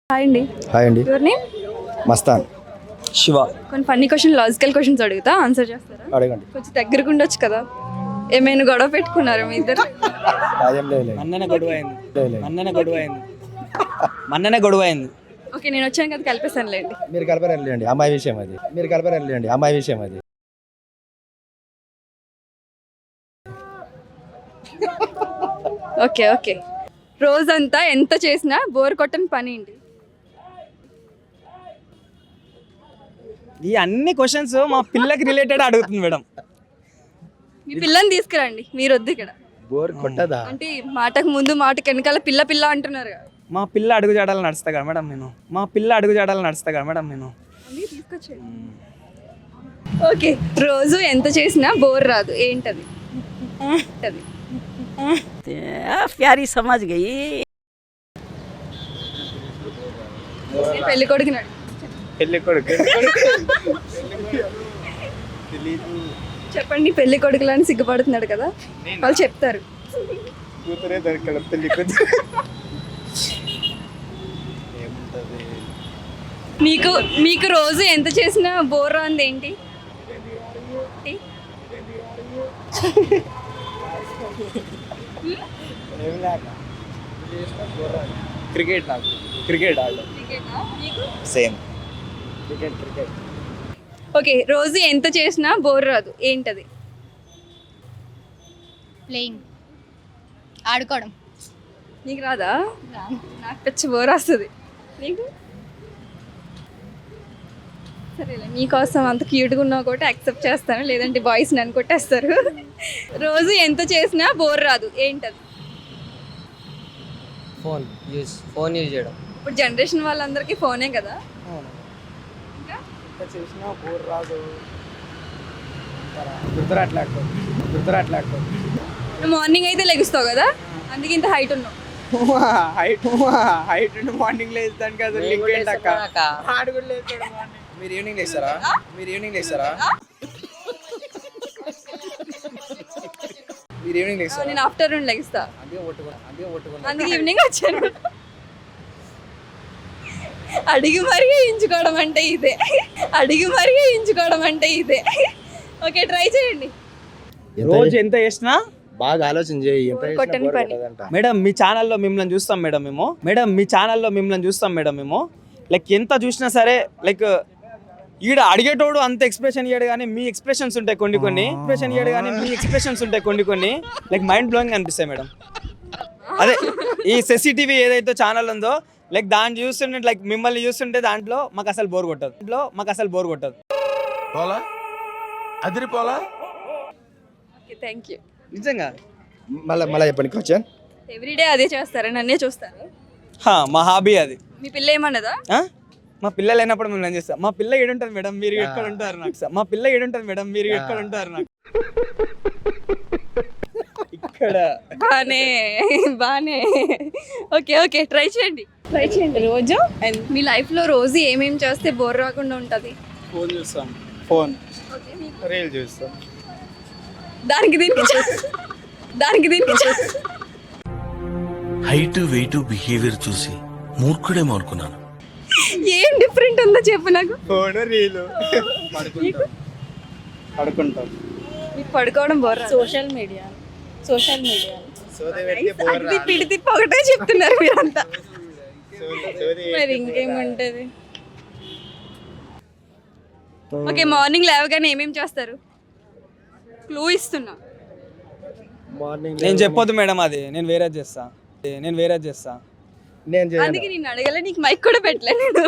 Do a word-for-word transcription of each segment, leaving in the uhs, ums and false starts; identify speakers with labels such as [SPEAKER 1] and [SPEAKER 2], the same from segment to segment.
[SPEAKER 1] Hi అండి.
[SPEAKER 2] Hi అండి.
[SPEAKER 1] Your name?
[SPEAKER 2] Mastan.
[SPEAKER 3] Shiva.
[SPEAKER 1] కొన్ని ఫన్నీ క్వశ్చన్ లాజికల్ క్వశ్చన్స్ అడుగుతా, ఆన్సర్ చేస్తారా?
[SPEAKER 2] అడగండి.
[SPEAKER 1] కొంచెం దగ్గరకు ఉండొచ్చు కదా. ఏమైనా గొడవ పెట్టుకున్నారా మీ ఇద్దరు?
[SPEAKER 2] అదేం లేదు.
[SPEAKER 3] మన్ననే గొడవ అయింది మన్ననే గొడవ అయింది మన్ననే గొడవ అయింది
[SPEAKER 1] ఓకే, నేను వచ్చాను కదా కలిపేసాను లేండి.
[SPEAKER 2] మీరు కలపని వెళ్ళండి, అమ్మాయి విషయం అది. మీరు కలపని వెళ్ళండి, అమ్మాయి విషయం అది.
[SPEAKER 1] ఓకే ఓకే రోజంతా ఎంత చేసినా బోర్ కొట్టని పని ఏంటి?
[SPEAKER 3] ఈ అన్ని క్వశ్చన్స్ మా పిల్లకి రిలేటెడ్ అడుగుతుంది మేడం.
[SPEAKER 1] మీ పిల్లని తీసుకురండి, మీరు వద్దు ఇక్కడ.
[SPEAKER 2] బోర్ కొట్టదా?
[SPEAKER 1] అంటే మాటకు ముందు మాటకు వెనకాల పిల్ల పిల్ల అంటున్నారు కదా.
[SPEAKER 3] మా పిల్ల అడుగు జాడాలు నడుస్తా కదా మేడం నేను మా పిల్ల అడుగు జాడాలు నడుస్తా కదా మేడం నేను
[SPEAKER 1] అందుకే తీసుకొచ్చేయండి. ఓకే, రోజు ఎంత చేసినా బోర్ రాదు, ఏంటది? అది
[SPEAKER 4] प्यारी समझ गई।
[SPEAKER 1] పెళ్లి కొడుకుని అడుగు.
[SPEAKER 3] పెళ్లి కొడుకు
[SPEAKER 1] చెప్పండి, పెళ్లి కొడుకులని సిగ్గుపడుతున్నాడు కదా, వాళ్ళు చెప్తారు.
[SPEAKER 3] కూతురే దొరకడం పెళ్లి కూతురు.
[SPEAKER 1] మీకు మీకు రోజు ఎంత చేసినా బోర్ రాంది ఏంటి?
[SPEAKER 3] క్రికెట్ నాకు క్రికెట్ ఆడ సేమ్ క్రికెట్ క్రికెట్
[SPEAKER 1] ఓకే, రోజు ఎంత చేసినా బోర్ రాదు, ఏంటది?
[SPEAKER 5] ప్లేయింగ్ ఆడుకోవడం.
[SPEAKER 1] నీకు రాదా? నాకు పిచ్చి బోర్ వస్తుంది. నీకు సరేలే, మీకోసం అంత క్యూట్గా ఉన్నా కూడా యాక్సెప్ట్ చేస్తాను, లేదంటే బాయ్స్ నన్ను కొట్టేస్తారు. రోజు ఎంత చేసినా బోర్ రాదు, ఏంటది?
[SPEAKER 6] ఫోన్ యూజ్ ఫోన్ యూజ్ చేయడం.
[SPEAKER 1] ఇప్పుడు జనరేషన్ వాళ్ళందరికీ ఫోనే కదా. ఇంకా
[SPEAKER 3] చేసినా బోర్ రాదు. గుర్తురాట్లేదు గుర్తురాట్లేదు
[SPEAKER 1] నువ్వు మార్నింగ్ అయితే లెగుస్తావు కదా, అందుకే ఇంత హైట్ ఉన్నావు.
[SPEAKER 3] హైట్ హైట్ మార్నింగ్ లేస్తాను కదా. లింక్ ఏంటక్క ఆడు కూడా లేస్తాడు మార్నింగ్. మీరు ఈవినింగ్ లేస్తారా మీరు ఈవినింగ్ లేస్తారా మీరు ఈవినింగ్ లేస్తారా
[SPEAKER 1] నేను ఆఫ్టర్నూన్ లెగుస్తా,
[SPEAKER 3] అదే ఒట్టుకున్నా అదే ఒట్టుకున్నా
[SPEAKER 1] అందుకే ఈవినింగ్ వచ్చాను. అడిగి మరీ ఎంచుకోవడం అంటే ఇదే అడిగి మరీ ఎంచుకోవడం అంటే ఇదే ఓకే, ట్రై చేయండి.
[SPEAKER 3] రోజు ఎంత చేసినా
[SPEAKER 2] బాగా ఆలోచన చేయి. ఎంత చేసినా
[SPEAKER 1] కొట్టని
[SPEAKER 2] బోర్
[SPEAKER 1] పని.
[SPEAKER 2] కొట్టదంట.
[SPEAKER 3] మేడం మీ ఛానల్లో మిమ్మల్ని చూస్తాం మేడం మేము మేడం మీ ఛానల్లో మిమ్మల్ని చూస్తాం మేడం మేము లైక్ ఎంత చూసినా సరే లైక్ ఈడ అడిగేటోడు అంత ఎక్స్ప్రెషన్ ఇయ్యాడు కానీ మీ ఎక్స్ప్రెషన్స్ ఉంటాయి కొన్ని కొన్ని ఎక్స్ప్రెషన్ ఇయ్యాడు కానీ మీ ఎక్స్ప్రెషన్స్ ఉంటాయి కొన్ని కొన్ని లైక్ మైండ్ బ్లోయింగ్ అనిపిస్తాయి మేడం. అదే ఈ సెసిటీవీ ఏదైతే ఛానల్ ఉందో లైక్ దాన్ని చూస్తుంటే లైక్ మిమ్మల్ని చూస్తుంటే దాంట్లో మాకు అసలు బోర్ కొట్టదు దాంట్లో మాకు అసలు బోర్ కొట్టదు.
[SPEAKER 7] పోలా అదిరిపోలా.
[SPEAKER 1] Okay, thank you.
[SPEAKER 3] నిజంగా
[SPEAKER 2] మళ్ళీ మళ్ళీ చెప్పండి క్వశ్చన్.
[SPEAKER 1] ఎవ్రీడే అదే చేస్తారా? నన్నే చూస్తారు?
[SPEAKER 3] హా, మా హాబీ అది.
[SPEAKER 1] మీ పిల్ల ఏమన్నదా?
[SPEAKER 3] ఆ? మా పిల్ల లేనప్పుడు మేము ఏం చేస్తాం. మా పిల్ల ఏడుంటుంది మేడం మీరు ఎక్కడ ఉంటారు నాకు సార్. మా పిల్ల ఏడుంటుంది మేడం మీరు ఎక్కడ ఉంటారు నాకు ఇక్కడ.
[SPEAKER 1] బానే బానే ఓకే ఓకే, ట్రై చేయండి ట్రై చేయండి. రోజు మీ లైఫ్లో రోజు ఏమేమి చేస్తే బోర్ రాకుండా ఉంటుంది?
[SPEAKER 3] ఫోన్ చూస్తాం ఫోన్
[SPEAKER 1] ఓకే, మీకు?
[SPEAKER 3] రీల్ చూస్తాం.
[SPEAKER 1] దానికి దీనికి చే- దానికి దీనికి చే-
[SPEAKER 7] హైట్ వెయిట్ బిహేవియర్ చూసి మూర్ఖుడేమో అనుకున్నాను.
[SPEAKER 1] ఏం డిఫరెంట్ ఉందో చెప్పు నాకు.
[SPEAKER 3] ఫోన్ రీలు పడుకుంటాం పడుకుంటాం
[SPEAKER 1] మీకు పడుకోవడం బోర్ రాదు.
[SPEAKER 4] సోషల్ మీడియా సోషల్ మీడియా
[SPEAKER 1] అది పిడి తిప్పి ఒకటే చెప్తున్నారు మీరంతా. మరి ఇంకేముంటది? ఓకే, మార్నింగ్ లేవగానే ఏమేమి చేస్తారు? క్లూ ఇస్తున్నా.
[SPEAKER 2] మార్నింగ్
[SPEAKER 3] నేను చెప్పొద్దు మేడం, అది నేను వేరే చేస్తా నేను వేరే చేస్తా
[SPEAKER 2] నేను చేయను.
[SPEAKER 1] అందుకే నేను అడగలే, నీకు మైక్ కూడా పెట్టలే నేను.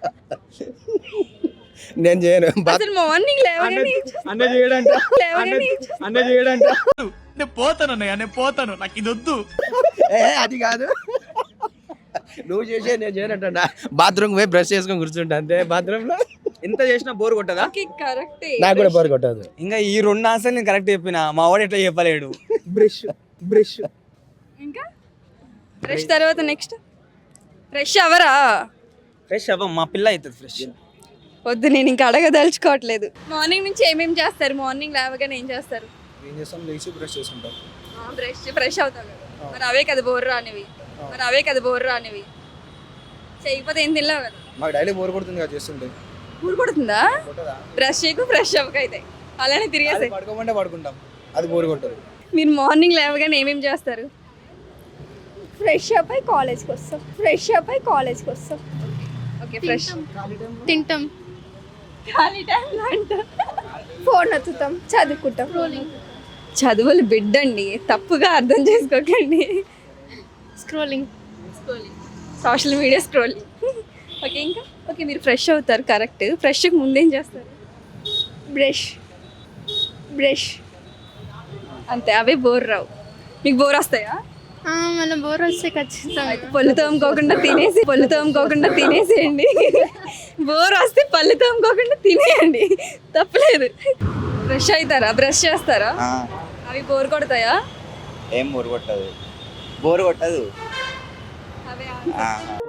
[SPEAKER 2] నేను చేయను.
[SPEAKER 1] అసలు మార్నింగ్ లేవగానే
[SPEAKER 3] అన్న చేయడంట
[SPEAKER 1] లేవగానే
[SPEAKER 3] అన్న చేయడంట
[SPEAKER 7] నేను పోతాను అన్నయ్య నేను పోతాను నాకు ఇది వద్దు.
[SPEAKER 2] ఏ, అది కాదు. నువ్వు చేసే నేను చేయనంటున్నా. బాత్రూమ్ పోయి బ్రష్ చేసుకొని కూర్చుంటా అంతే. బాత్రూమ్ లో
[SPEAKER 3] ఎంత చేసినా బోర్ కొట్టదా?
[SPEAKER 1] కరెక్టే.
[SPEAKER 2] నాకు కూడా బోర్ కొట్టదు.
[SPEAKER 3] ఇంకా ఈ రెండు ఆన్సర్లు నేను కరెక్ట్ చెప్పిన మా వాడు ఎట్లా చెప్పలేడు. బ్రష్ బ్రష్
[SPEAKER 1] ఇంకా ఫ్రెష్ తర్వాత నెక్స్ట్ ఫ్రెష్ అవరా?
[SPEAKER 3] ఫ్రెష్ అవ్వం, మా పిల్ల అవుతుంది ఫ్రెష్.
[SPEAKER 1] వద్దు, నేను ఇంకా అడగదలుచుకోవట్లేదు. మార్నింగ్ నుంచి ఏమేమి చేస్తారు? మార్నింగ్ లేవగానే ఏం చేస్తారు?
[SPEAKER 3] ఏం చేస్తాం, లేచి బ్రష్ చేసుకుంటాం.
[SPEAKER 1] బ్రష్ ఫ్రెష్ అవుతావు కదా, మరి అవే కదా బోర్ రానివి మరి అవే కదా బోర్ రానివి చేయకపోతే ఏం తినలేవు కదా.
[SPEAKER 3] మాకు డైలీ బోర్ కొడుతుంది కదా చేస్తుంటే.
[SPEAKER 1] ఊరు కొడుతుందా? బ్రష్ చేయకు ఫ్రెష్ అవ్వక అయితే అలానే తిరిగేసాయి.
[SPEAKER 3] పడుకోమంటే పడుకుంటాం, అది బోర్ కొట్టదు.
[SPEAKER 1] మీరు మార్నింగ్ లేవగానే ఏమేమి చేస్తారు?
[SPEAKER 8] ఫ్రెష్ అప్ అయి కాలేజ్కి వస్తాం ఫ్రెష్ అప్ అయి కాలేజ్కి వస్తాం
[SPEAKER 1] ఓకే ఫ్రెష్
[SPEAKER 5] తింటాం.
[SPEAKER 1] ఖాళీ టైంలో అంటారు.
[SPEAKER 8] ఫోన్ ఎత్తుతాం చదువుకుంటాం
[SPEAKER 1] చదువులు బిడ్డండి, తప్పుగా అర్థం చేసుకోకండి.
[SPEAKER 5] Scrolling.
[SPEAKER 1] Social media scrolling. Okay ఇంకా ఓకే మీరు ఫ్రెష్ అవుతారు కరెక్ట్. ఫ్రెష్కి ముందేం చేస్తారు?
[SPEAKER 8] బ్రష్ బ్రష్
[SPEAKER 1] అంతే, అవే బోర్ రావు. మీకు బోర్ వస్తాయా?
[SPEAKER 5] మన బోర్ వస్తే ఖచ్చితంగా
[SPEAKER 1] పళ్ళు తోముకోకుండా తినేసి పళ్ళు తోముకోకుండా తినేసేయండి. బోర్ వస్తే పళ్ళు తోముకోకుండా తినేయండి, తప్పలేదు. ఫ్రెష్ అవుతారా? బ్రష్ చేస్తారా? అవి బోర్ కొడతాయా?
[SPEAKER 9] ఏం బోర్ కొట్టదు, బోర్ కొట్టదు.
[SPEAKER 1] అవే